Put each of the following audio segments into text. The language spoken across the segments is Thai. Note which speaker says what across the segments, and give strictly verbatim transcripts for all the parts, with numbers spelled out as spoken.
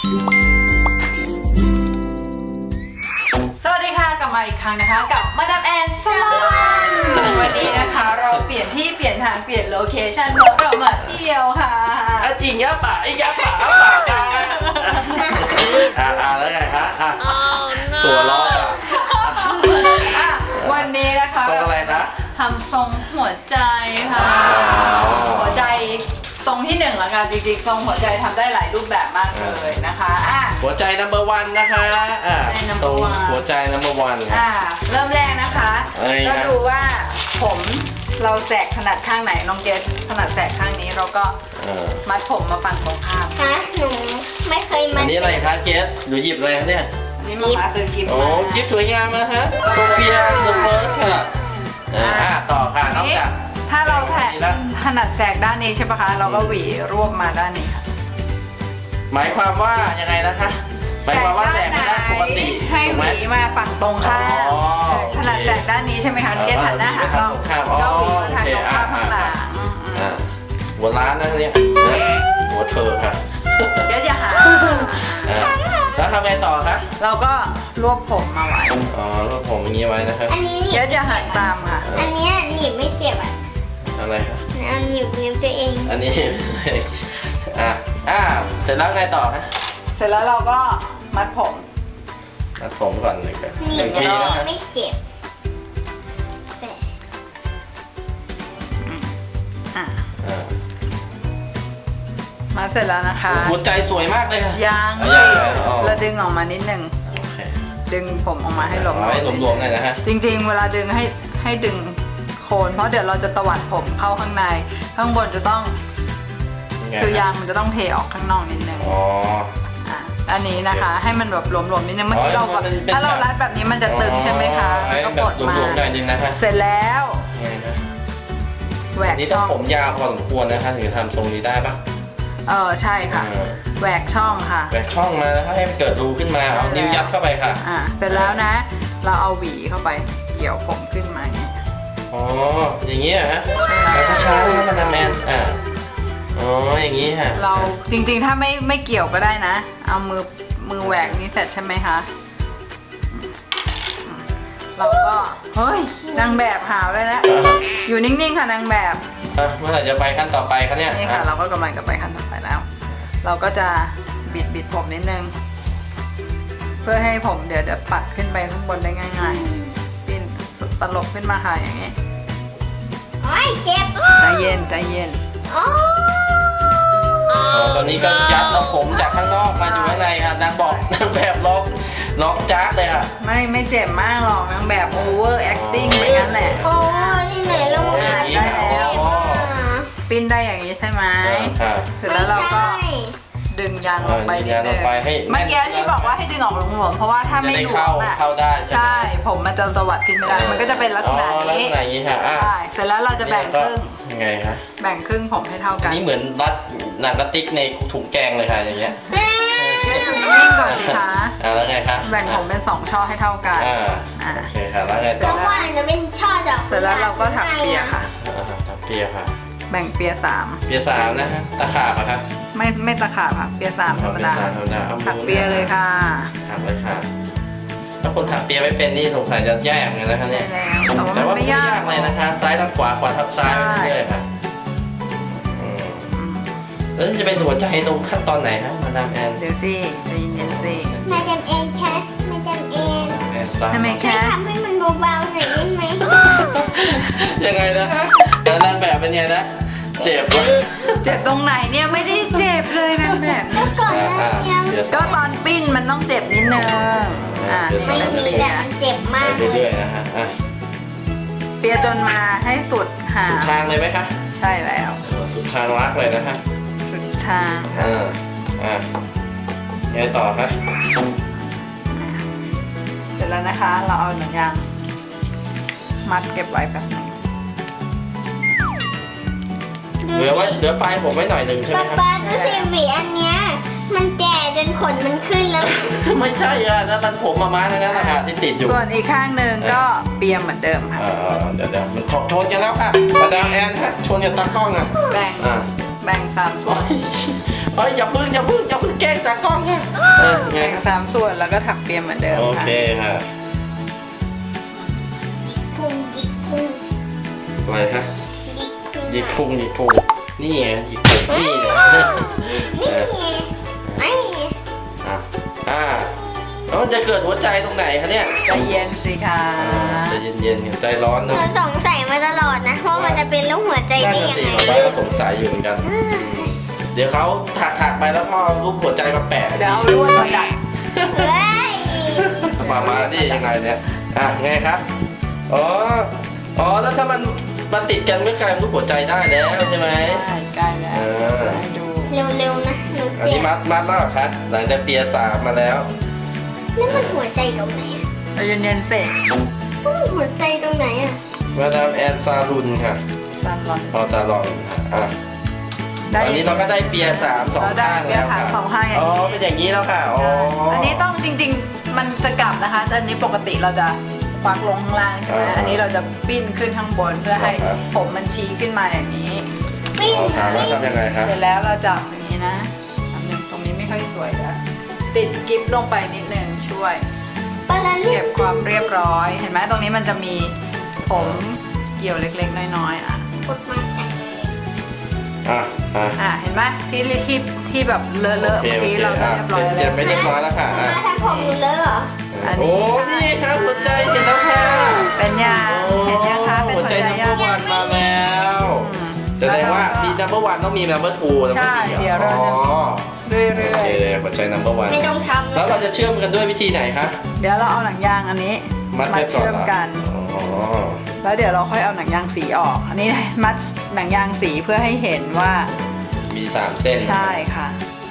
Speaker 1: สวัสดีค่ะกลับมาอีกครั้งนะคะกับมาดามแอนสลอนวันนี้นะคะเราเปลี่ยนที่เปลี่ยนทางเปลี่ยนโลเคชั่นเพราะเรามาเที่ยวค่ะ
Speaker 2: จริงยะป่ะไอ้ยะป่ะป่ะกันอ่าอ่าแล้วไงฮะอ่ะตัวล้ออ่ะ
Speaker 1: อ่ะวันนี้นะคะ
Speaker 2: ทรงอะไรคะ
Speaker 1: ทำทรงหัวใจค่ะหัวใจทรงที่หนึ่งละกันจริงๆทรงหัวใจทำได้หลายรูปแบบมากเลยนะคะอ่ะ
Speaker 2: หัวใจ number one นะคะอ่า
Speaker 1: หัวใจ number
Speaker 2: ตรง
Speaker 1: one
Speaker 2: หัวใจ number one ครับ
Speaker 1: อ่ะเริ่มแรกนะคะ
Speaker 2: เอ้ย
Speaker 1: ก็ดูว่าผมเราแสกถนัดข้างไหนน้องเกดถนัดแสกข้างนี้เราก็
Speaker 2: เออ
Speaker 1: มัดผมมาฝั่งตรงข้าม
Speaker 3: ฮะหนูไม่เคย
Speaker 2: อั
Speaker 3: มาน
Speaker 2: นี้อะไรคะเกสหนูหยิบอะไรคะเนี่ย
Speaker 1: อันนี้มาหาซื้อกิฟต์
Speaker 2: โอ้
Speaker 1: มา
Speaker 2: คลิปสวยงามนะฮะโซเฟีย the first ค่ะเอออ่ะต่อค่ะนอกจาก
Speaker 1: ถ้าเราแถ
Speaker 2: นี้แล้ว
Speaker 1: ถนัดแสกด้านนี้ใช่ปะคะ เราก็หวีรวบมาด้านนี้ค่ะ
Speaker 2: หมายความว่ายังไงนะคะหมายความว่าแสกไปด้านปกติ
Speaker 1: ให้
Speaker 2: ถูก
Speaker 1: ห
Speaker 2: ไหม
Speaker 1: วีมาฝั่งตรงข้าม
Speaker 2: อ๋อโอเค
Speaker 1: ถนัดแสกด้านนี้ใช่ไหมคะเกดหันหน้าหาเรา
Speaker 2: อ๋อ
Speaker 1: ก็หวีมาทาง
Speaker 2: โอเค
Speaker 1: ตรงข้าม
Speaker 2: อ่ะ
Speaker 1: ข้างหลัง
Speaker 2: อ่าหัวร้านนะเนี่ยนะหัวเธอค่ะ
Speaker 1: เกดอย่าหา
Speaker 2: อ่าแล้วทำไงต่อคะ
Speaker 1: เราก็รวบผมมาไว้
Speaker 2: อ๋อรวบผมอย่างนี้ไว้นะครับ
Speaker 3: อันนี้หนี
Speaker 1: เก
Speaker 3: บ
Speaker 1: ดอย่าหันตามค่ะ
Speaker 3: อันเนี้ยหนีบไม่เจ็บอ่ะ
Speaker 2: อะไรคะ
Speaker 3: เอาหนีบนิ้วตัวเอง
Speaker 2: อันนี้ อ่ะอ่าเสร็จแล้วไงต่อคะ
Speaker 1: เสร็จแล้วเราก็มัดผม
Speaker 2: มัดผมก่อนเลยกัน
Speaker 3: หนี
Speaker 2: หนึ่
Speaker 3: บ
Speaker 2: งที
Speaker 3: ตัว
Speaker 2: นะครับ
Speaker 3: ไม่เจ็บแต่
Speaker 1: อ่ะ
Speaker 2: อ่า
Speaker 1: มาเสร็จแล้วนะคะ
Speaker 2: หัวใจสวยมากเลยค่ะ
Speaker 1: ยาง
Speaker 2: เอายางเลยอ๋อ
Speaker 1: เราดึงออกมานิดนึง
Speaker 2: โอเค
Speaker 1: ดึงผมออกมาให้หลวม
Speaker 2: เอาให้หลวมๆหน่อยนะฮะ
Speaker 1: จริงๆ เวลาดึงให้ให้ดึงโคนเพราะเดี๋ยวเราจะตวัดผมเข้าข้างใน ข้างบนจะต้อง
Speaker 2: ยังไง
Speaker 1: คือ
Speaker 2: ฮะ
Speaker 1: ยางมันจะต้องเทออกข้างนอกนิดนึง
Speaker 2: อ๋อ
Speaker 1: อ่ะอันนี้นะคะ ให้มันแบบหลวมๆนิดนึงเมื่อกี้
Speaker 2: อ๋อ
Speaker 1: เราก็
Speaker 2: มันเป็น
Speaker 1: ถ้าเรารัดแบบนี้มันจะตึงใช่ไหมคะ
Speaker 2: อ๋อ
Speaker 1: แล้วก็
Speaker 2: แบบ
Speaker 1: ปลดมา
Speaker 2: หลวมๆหน่อยนึงนะคะ
Speaker 1: เสร็จแล้ว
Speaker 2: ไงนะ
Speaker 1: แหว
Speaker 2: อั
Speaker 1: ก
Speaker 2: นนี้ต้
Speaker 1: ช่
Speaker 2: อง
Speaker 1: อง
Speaker 2: ผมยาวพอสมควรนะคะถึงจะทำทรงนี้ได้ปะ
Speaker 1: เออใช่ค่ะ
Speaker 2: อ่า
Speaker 1: แหวกช่องค่ะ
Speaker 2: แหวกช่องมานะคะให้มันเกิดรูขึ้นมาเอานิ้วยัดเข้าไปค่ะ
Speaker 1: อ่ะเสร็จแล้วนะ เราเอาหวีเข้าไปเกี่ยวผมขึ้นมาอย่างเงี้ย
Speaker 2: อ๋ออย่างนี้เหรอฮะเอาช้าๆนะมาดามแอนอ่าอ๋ออย่างนี้ฮะ
Speaker 1: เราจริงๆถ้าไม่ไม่เกี่ยวก็ได้นะ เอามือมือแหวกนี้เสร็จใช่ไหมคะอืมเราก็เฮ้ยนางแบบหาวเลยแล้ว
Speaker 2: อ่ะ
Speaker 1: อยู่นิ่งๆค่ะนางแบบ
Speaker 2: อ่ะเมื่อไหร่จะไปขั้นต่อไปคะเนี่ย
Speaker 1: นี่ค่ะ
Speaker 2: อ่ะ
Speaker 1: เราก็กำลังจะไปขั้นต่อไปแล้ว เราก็จะบิดบิดผมนิดนึง เพื่อให้ผมเดี๋ยวเดี๋ยวปัดขึ้นไปข้างบนได้ง่ายๆปิ้นตลบขึ้นมาค่ะอย่างนี้
Speaker 3: โอ้ยเจ็บ
Speaker 1: ใจเย็นใจเย็น
Speaker 3: โอ้
Speaker 2: อ๋อตอนนี้ก็ยัดเอาผมจากข้างนอกมาอยู่ข้างในค่ะนางบอกนางแบบล็อกล็อกจ้าเลยค่ะ
Speaker 1: ไม่ไม่เจ็บมากหรอกนางแบบ over acting ไปงั้นแหละ
Speaker 3: โอ้นี่ไหนลงมา
Speaker 2: อย่างนี้
Speaker 3: ได้
Speaker 2: ค่ะ
Speaker 3: แล้ว
Speaker 2: อ๋อ
Speaker 1: ปิ้นได้อย่างนี้ใช่ไหม
Speaker 2: ค่ะ
Speaker 1: เสร็จแล้วเราก็
Speaker 3: ไม่ใช่
Speaker 1: ดึงยางลงไป
Speaker 2: เออดึ
Speaker 1: นิ
Speaker 2: ง
Speaker 1: ด
Speaker 2: ยางล
Speaker 1: นึ
Speaker 2: ง
Speaker 1: ง
Speaker 2: ไปให้แน่น
Speaker 1: เมื่อกี้ที่บอกว่าให้ดึงออกหลวมๆเพราะว่าถ้า
Speaker 2: จะ
Speaker 1: ไม่
Speaker 2: ได้
Speaker 1: หลว
Speaker 2: เข้าม
Speaker 1: อ่ะ
Speaker 2: เข้าได้ใช่ไหม
Speaker 1: ใช่ผมมันจะสวัสดขึ้นไม่ได้มันก็จะเป็นลักษณะ
Speaker 2: อ๋อลัก
Speaker 1: นี้
Speaker 2: ษณะอย่างนี้ค่ะอ่ะ
Speaker 1: ใช่เสร็จแล้วเราจะแบ่งครึ่ง
Speaker 2: ยังไงคะ
Speaker 1: แบ่งครึ่งผมให้เท่า
Speaker 2: อั
Speaker 1: กัน น
Speaker 2: นี้เหมือนรัดหนังกระติกในถุงแกงเลยค่ะอย่างเงี้ย
Speaker 1: นิ่งก่อนสิคะ
Speaker 2: อ่าแล้วไงคะ
Speaker 1: แบ่งผมเป็นสองช่อให้เท่ากัน
Speaker 2: อ่า
Speaker 1: อ่า
Speaker 2: โอเคค่ะแล้วไง
Speaker 3: ก็
Speaker 2: ต่อ
Speaker 3: ว่าจะเป็นช่อดอก
Speaker 1: เสร็จแล้วเราก็ถักเปียค่ะ
Speaker 2: อ่าถักเปียค่ะ
Speaker 1: แบ่งเปียสาม
Speaker 2: เปียสามนะฮะตะขาบอะครับ
Speaker 1: ไม่ไม่ตะขาบค่ะเปียสามธรรมดา
Speaker 2: เปียสามธรรมดาเอามือ
Speaker 1: ถักเปียเลยค่ะ
Speaker 2: ถักเลยค่ะถ้าคนถักเปียไม่เป็นนี่สงสัยจะแย่เหมือนกันนะคะ
Speaker 1: ใช่
Speaker 2: เนี่ย
Speaker 1: แล้วแต่
Speaker 2: แต่
Speaker 1: ว่า
Speaker 2: ว่า
Speaker 1: มัน
Speaker 2: ไม่
Speaker 1: ไม่
Speaker 2: ยาย
Speaker 1: าก ก
Speaker 2: เลยนะคะ ซ้ายทับขวาขวาทับซ้ายไปเรื่อยๆค่ะอืม
Speaker 1: อืม
Speaker 2: แล้วจะเป็นหัวใจตรงขั้นตอนไหนฮะมาดามแอน
Speaker 1: เดี๋ยวสิใจเย็นๆสิ
Speaker 3: มาจำเองแค่มาจำเอง
Speaker 2: แอนซ้าย
Speaker 1: ทำไม
Speaker 3: ช่วย
Speaker 1: คะ
Speaker 3: ทำให้มันเบาๆหน่อยได้ไหม
Speaker 2: ยังไงนะแล้วนางแบบเป็นไงนะเจ็บวะ
Speaker 1: เจ็บตรงไหนเนี่ยไม่ได้เจ็บเลยนางแบบนี้
Speaker 3: ก่อนหน้านี้
Speaker 2: เดี๋ยว
Speaker 1: ก็ตอนปิ้นมันต้องเจ็บนิดนึงอ่า
Speaker 3: ไม่มีแต่มันเจ็บมาก
Speaker 2: ไป
Speaker 3: เลย
Speaker 2: เรื่อยๆนะฮะอ่ะ
Speaker 1: เปียจนมาให้สุดหา
Speaker 2: สุดทางเลยไหมคะ
Speaker 1: ใช่แล้ว
Speaker 2: สุดทางรักเลยนะฮะ
Speaker 1: สุดทางค่ะ
Speaker 2: อ่าอ่าไงต่อคะ
Speaker 1: เสร็จแล้วนะคะ เราเอาหนังยางมัดเก็บไว้แบบนึง
Speaker 3: ดู
Speaker 2: เหลือไว้
Speaker 3: สิ
Speaker 2: เหลือปลายผมไว้หน่อยหนึ่งใช่ไหม
Speaker 3: ป๊า
Speaker 2: ครับ
Speaker 3: ป๊าดูสิหวีอันเนี้ยมันแก่จนขนมันขึ้นแล้ว
Speaker 2: ไม่ใช่อ่ะนั่นมันผมมาม้าทั้งนั้นนะคะที่ติดอยู่
Speaker 1: ส่วนอีกข้างหนึ่งก็เปียเหมือนเดิมค่ะ
Speaker 2: เออเดี๋ยวเดี๋ยวมันชนชนกันแล้วค่ะมาดามแอนฮะชนกับตากล้องอ่ะ
Speaker 1: แบ่ง
Speaker 2: อ่า
Speaker 1: แบ่งสามส่
Speaker 2: โอ้
Speaker 1: วน
Speaker 2: ยเฮ้ยอย่าพึ่งอย่าพึ่งอย่าพึ่งแกล้งตากล้องค่ะเออไง
Speaker 1: แบ่ง
Speaker 2: ครับ
Speaker 1: สามส่วนแล้วก็ถักเปียเหมือนเดิม
Speaker 2: โอ
Speaker 1: ค่ะ
Speaker 2: เคค่ะ
Speaker 3: พุงหยิกพุง
Speaker 2: อะไรฮะ
Speaker 3: หยิกพุง
Speaker 2: หยิกพุงหยิกพุงนี่ไงหยิกพุงนี่เนี่ย
Speaker 3: นี่ไอ้
Speaker 2: อ่ะอ่าแล้วมันจะเกิดหัวใจตรงไหนคะเนี่ย
Speaker 1: ใจเย็นสิคะ
Speaker 2: ใจเย็นๆค่ะใจร้อน
Speaker 3: ห
Speaker 2: นะ
Speaker 3: นูสงสัยมาตลอดนะว่ามันจะเป็นรูปหัวใจ
Speaker 2: นั่น
Speaker 3: ได้
Speaker 2: น่ะ
Speaker 3: ยัง
Speaker 2: สิ
Speaker 3: ไง
Speaker 2: ป้าก็สงสัยอยู่เหมือนกัน เดี๋ยวเขาถักถักๆไปแล้วพ่อรูปหัวใจมาแปะ
Speaker 1: เดี๋ยวเอาลวดมาดัด
Speaker 3: เฮ้ย
Speaker 2: มามานี่ยังไงเนี่ย อ่ะไงครับ อ๋อ อ๋อ แล้วถ้ามันมันติดกันก็กลายเป็นรูปหัวใจได้แล้วใช่ไหม
Speaker 1: ใช่ใกล้แล้ว
Speaker 2: เออ
Speaker 1: ให้ดู
Speaker 3: เร็วๆนะหนู
Speaker 2: อัน
Speaker 3: เจ็
Speaker 2: นี้
Speaker 3: บ
Speaker 2: มัดมัดแล้วเหรอครับหลังจากเปียร์สามมาแล้ว
Speaker 3: แล้วมันหัวใจตรงไหนอ่ะ
Speaker 1: ใจเย็นๆเสร็จ
Speaker 3: มันหัวใจตรงไหนอ่ะ
Speaker 2: มาดามแอนซาลุนค่ะ
Speaker 1: ซันลอน
Speaker 2: ออซาลอนค่ะอ่ะ
Speaker 1: ได้
Speaker 2: ตอนนี้เราก็ได้เปียร์สามสอง
Speaker 1: เราได้
Speaker 2: ข้าง
Speaker 1: เปีย
Speaker 2: แล้ว
Speaker 1: ร์สาม
Speaker 2: ค่ะ
Speaker 1: สองข้างอย่างนี้
Speaker 2: อ๋อ เป็นอย่างนี้แล้วค่ะ อ๋อ
Speaker 1: อั
Speaker 2: อั
Speaker 1: นนี้ต้องจริงๆ มันจะกลับนะคะแต่อันนี้ปกติเราจะควักลงข้างล่างใช่ไหม
Speaker 2: อ่า
Speaker 1: อันนี้เราจะปิ้นขึ้นข้างบนเพื่อให้
Speaker 2: ครับ
Speaker 1: ผมมันชี้ขึ้นมาอย่างนี้
Speaker 3: ปิ้ง
Speaker 2: อ๋อถามว่าทำยังไงครับ
Speaker 1: เสร็จแล้วเราจับอย่างนี้นะอันหนึงตรงนี้ไม่ค่อยสวยแล้วติดกิ๊บลงไปนิดนึงช่วย
Speaker 3: ปลาละเรี
Speaker 1: เก็
Speaker 3: ย
Speaker 1: บความเรียบร้อย เห็นไหมตรงนี้มันจะมีผมเกี่ยวเล็กๆ น้อยๆ อ่ะ
Speaker 3: กดมาจาก
Speaker 2: อ่ะ อ่ะ
Speaker 1: อ่ะ เห็นไหมที่ที่ที่แบบเลอะ
Speaker 2: โอ
Speaker 1: ๆ
Speaker 2: เค
Speaker 1: เมื่อ
Speaker 2: โอ
Speaker 1: กี้
Speaker 2: เค
Speaker 1: เราได้
Speaker 2: อ่ะ
Speaker 1: เรียบร้อย
Speaker 2: เจ็บ
Speaker 1: แล้ว
Speaker 2: ไปเรียบร้อยแล้วค่ะอ่ะ
Speaker 3: มาทำผมหนูเลยเหรอ
Speaker 1: อันนี้
Speaker 2: โอ้นี่ครับหัวใจเสร็จแล้วค่ะ
Speaker 1: เป็นยังเห็นยังคะเป็น
Speaker 2: หัว
Speaker 1: หัว
Speaker 2: ใจ
Speaker 1: ใจ
Speaker 2: นัมเบ
Speaker 1: ยั
Speaker 2: อง ร์วันมาแล้ว
Speaker 1: อืม
Speaker 2: แสดงว่ามีนัมเบอร์วันต้องมีนัมเบอร์ทู
Speaker 1: ใช่เดี๋ยวเราจะ
Speaker 2: อ๋อ
Speaker 1: เรื่อย
Speaker 2: โอเคหัวใจนัมเบอร์วัน
Speaker 3: ไม่ต้องทำ
Speaker 2: แล้วเราจะเชื่อมกันด้วยวิธีไหนคะ
Speaker 1: ๆ เดี๋ยวเราเอาหนังยางอันนี้
Speaker 2: มัดแค่ก่อน
Speaker 1: เชื่อมกัน
Speaker 2: อ๋อ
Speaker 1: แล้วเดี๋ยวเราค่อยเอาหนังยางสีออก อันนี้มัดหนังยางสีเพื่อให้เห็นว่า
Speaker 2: มีสามเส้น
Speaker 1: ใช่ค่ะ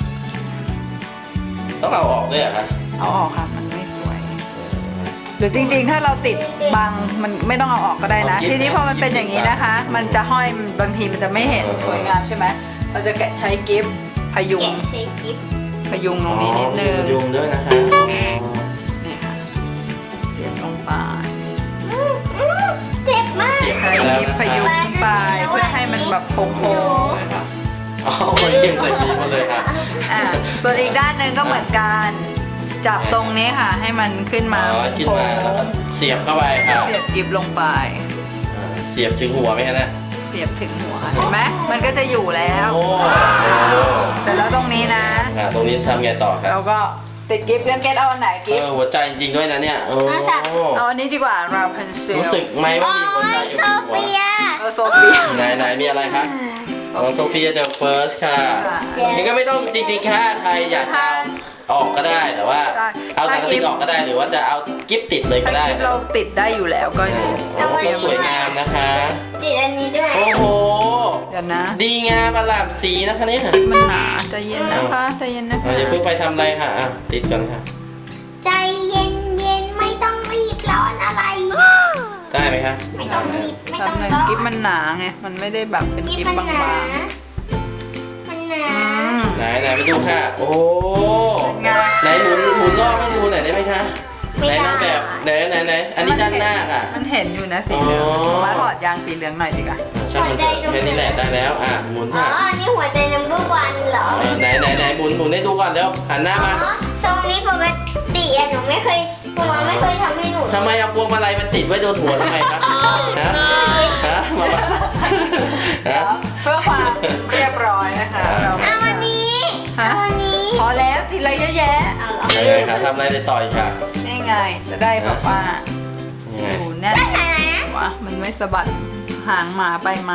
Speaker 2: ต้องเอาออกด้วยเหรอคะ
Speaker 1: เอาออกค่ะมันไม่สวย หรือจริงๆ ถ้าเราติดบังมันไม่ต้องเอาออกก็ได้นะ ทีนี้พอมันเป็นอย่างนี้นะคะ มันจะห้อยบางทีมันจะไม่เห็นสวยงามใช่ไหมเราจะแกะใช้กิฟต์พยุง
Speaker 3: แกะใช้กิ๊บ
Speaker 1: พยุงตรงนี้นิดนึง
Speaker 2: อ๋อมียุงด้วยนะคะ
Speaker 1: นี่ค่ะเสียบลงไป
Speaker 3: อื้อเจ็บมาก
Speaker 2: เสียบ
Speaker 1: ใช้
Speaker 2: ไปแล้ว
Speaker 1: กิฟ
Speaker 2: นะ
Speaker 1: ต์พยุง
Speaker 2: คะ
Speaker 1: ขึ้นไปเพื่อให้มันแบบโค้ง
Speaker 2: อะไรคะอ๋อมันเกี่ยงใส่ปีมาเลยค่ะ
Speaker 1: ๆอ่ะส่วนอีกด้านหนึ่งก็เหมือนกันจับตรงนี้ค่ะ ให้มันขึ้นมา
Speaker 2: อ๋อขึ้นมาแล้วก็เสียบเข้าไปค่ะ
Speaker 1: เสียบกิฟต์ลงไป
Speaker 2: อ่าเสียบถึงหัวไหมคะเนี่ย
Speaker 1: เสียบถึงหัวค่ะเห็นไหมมันก็จะอยู่แล้ว
Speaker 2: โอ้
Speaker 1: แต่แล้วตรงนี้นะ
Speaker 2: อ่าตรงนี้ทำไงต่อครับ
Speaker 1: เราก็ติดกิฟต์เรื่องเกตเอาอันไหน
Speaker 2: เอ
Speaker 1: กิฟ
Speaker 2: อ
Speaker 1: ต์
Speaker 2: หัวใจจริงๆด้วยนะเนี่ยโอ้
Speaker 1: เอาอันนี้ดีกว่าเราเพนซิล
Speaker 2: รู้สึกไหมว่า
Speaker 3: โอ้
Speaker 2: มีหัวใจ
Speaker 3: ย
Speaker 2: อยู่
Speaker 3: โซ
Speaker 2: บนหัว
Speaker 3: เฟีย
Speaker 1: เออโซเฟีย
Speaker 2: ไหนไหนมีอะไรคะอ๋อโซเฟียเดอะเฟิร์สค่ะ
Speaker 1: ค่ะ
Speaker 2: นี่ก็ไม่ต้องจริงๆค่ะใครอยากจะเอาออกก็ได้แต่ว่า
Speaker 1: ได้
Speaker 2: เอาหนังสติ๊กออกก็ได้หรือว่าจะเอากิฟติดเลยก็
Speaker 1: ถ้า
Speaker 2: ได้
Speaker 1: กิฟต์เราติดได้อยู่แล้วก็
Speaker 2: โอ้
Speaker 1: โซ
Speaker 2: โห
Speaker 1: เฟีย
Speaker 2: สวยงามนะคะ
Speaker 3: ติดอันนี้ด้วย
Speaker 2: โอ้โห
Speaker 1: เดี๋ยวนะ
Speaker 2: ดีงามประหลาดสีนะคะเนี่ย
Speaker 1: มันหนาใจเย็นนะคะใจเย็นนะ
Speaker 2: เอา
Speaker 1: คะ
Speaker 2: อย่าเพิ่งไปทำอะไรค่ะอ่ะติดก่อนค่ะ
Speaker 3: ใจเย็นเย็นๆไม่ต้องรีบร้อนอะไร
Speaker 2: ได้ไหมคะ
Speaker 3: ไม่ต้องรีบไม่
Speaker 1: แบ
Speaker 3: ต้อบ ง
Speaker 1: หนึ่ง
Speaker 3: ร้อน
Speaker 1: กิฟต์มันหนาไงมันไม่ได้แบบเป็น
Speaker 3: กิ๊
Speaker 1: กิ
Speaker 3: บ
Speaker 1: ฟต์
Speaker 3: มัน
Speaker 1: บาง
Speaker 3: หนา
Speaker 1: ๆ
Speaker 3: มันหนา
Speaker 1: อืม
Speaker 2: ไหนไหนไปดูค่ะ โอ้
Speaker 1: ไง
Speaker 2: ไหนหมุนหมุนรอบให้ดูหน่อยได้ไหมคะ
Speaker 3: ไม่
Speaker 2: ไหน
Speaker 3: ได้
Speaker 2: นางแบบไหนไหนไหนอันนี้ด้านหน้าค่ะ
Speaker 1: มันเห็นอยู่นะสีเหลือง
Speaker 2: อ๋อ
Speaker 1: มาถอดยางสีเหลืองหน่อยดีกว่า
Speaker 2: ช่างมันเถอะแค่นี้แหละได้แล้วอ่ะหมุน
Speaker 3: อ๋อ
Speaker 2: ค่ะ
Speaker 3: อันนี้หัวใจนัมเบอร์วันเหรอ
Speaker 2: เออไหนไหนไหนหมุนหมุนให้ดูก่อนเร็วหันหน้า
Speaker 3: อ๋อ
Speaker 2: มา
Speaker 3: ทรงนี้ปกติอะหนูไม่เคยหนูไม่เคยทำให้หนู
Speaker 2: ทำไมเอาพวงมาลัยมันติดไว้โดนหัวทำไมครับฮะฮะมาฮะ
Speaker 1: เพื่อความเรียบร้อยนะคะเรา
Speaker 3: เอาวันนี้
Speaker 1: ฮะ
Speaker 3: เอาวันนี้
Speaker 1: พอแล้วทีละเยอะแยะ
Speaker 3: เอาเหรอ
Speaker 2: ยังไงคะทำอะไรได้ต่ออีกค่ะ
Speaker 1: นี่ไงจะได้แบบว่า
Speaker 2: ยังไง
Speaker 1: อยู่แน่น
Speaker 3: ได้ไหนนะ
Speaker 1: วะมันไม่สะบัดหางหมาไปมา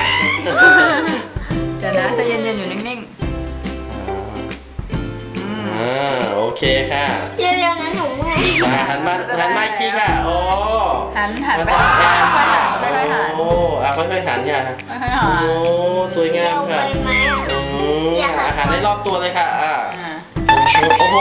Speaker 1: เดี๋ยวนะใจะเย็นๆอยู่นิ่งๆอืม
Speaker 2: อ่าโอเคค่ะ
Speaker 3: เร็วๆนะหนูเมื่อย
Speaker 2: มาหันมาหันมาอีกทีค่ะโอ้
Speaker 1: หันหันไป
Speaker 2: มา
Speaker 1: ค่
Speaker 2: ทำแอน
Speaker 1: อยๆหั
Speaker 2: ค่ะ
Speaker 1: นค่อยๆหัน
Speaker 2: โอ้อ่ะค่อยๆหันค่ะ
Speaker 1: ค่อยๆหั
Speaker 2: โอ้
Speaker 1: น
Speaker 2: สวยงาม
Speaker 3: เร็ว
Speaker 2: ค่ะ
Speaker 3: ไปไหมอะ
Speaker 2: อืมอาหารได้รอบตัวเลยค่ะอ่า
Speaker 1: อ่า
Speaker 2: โอ้โห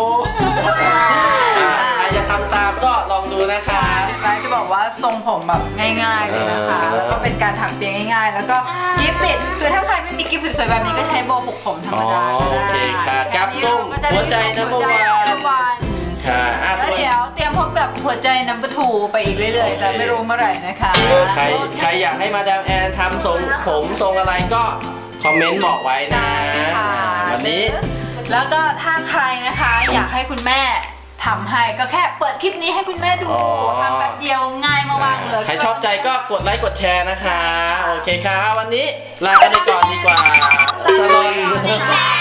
Speaker 2: อ่าใครจะทำตามก็ลองดูนะคะ
Speaker 1: ใช่จะบอกว่าทรงผมแบบง่ายๆเลยนะคะ
Speaker 2: เออ
Speaker 1: แล้วก็เป็นการถักเปียง่ายๆ แล้วก็กิฟต์ติดคือถ้าใครไม่มีกิฟต์สวยๆแบบนี้ก็ใช้โบว์ผูกผมธรรมดาก็
Speaker 2: โอ
Speaker 1: ได้
Speaker 2: เคค่ะกับส้มหัวใจน้ำ
Speaker 1: หัวใจ
Speaker 2: มัน
Speaker 1: วัน
Speaker 2: ค่ะอ่ะ
Speaker 1: แล้ว
Speaker 2: ส่วน
Speaker 1: เดี๋ยวเตรียมพบกับหัวใจนัมเบอร์ทูไปอีกเรื่อยๆ แต่ไม่รู้เมื่อไหร่นะคะ
Speaker 2: เออใครใครอยากให้มาดามแอนทำทรงผมทรงอะไรก็คอมเมนต์บอกไว้นะ
Speaker 1: ใช่ค่ะ
Speaker 2: วันนี้
Speaker 1: แล้วก็ถ้าใครใครนะคะอยากให้คุณแม่ทำให้ก็แค่เปิดคลิปนี้ให้คุณแม่ดูทำแบบเดียวง่ายมากๆเลย
Speaker 2: ใครชอบใจก็กดไลค์กดแชร์นะคะโอเคค่ะวันนี้ลากันไปก่อนดีกว่าสลอน
Speaker 3: บ๊ายบาย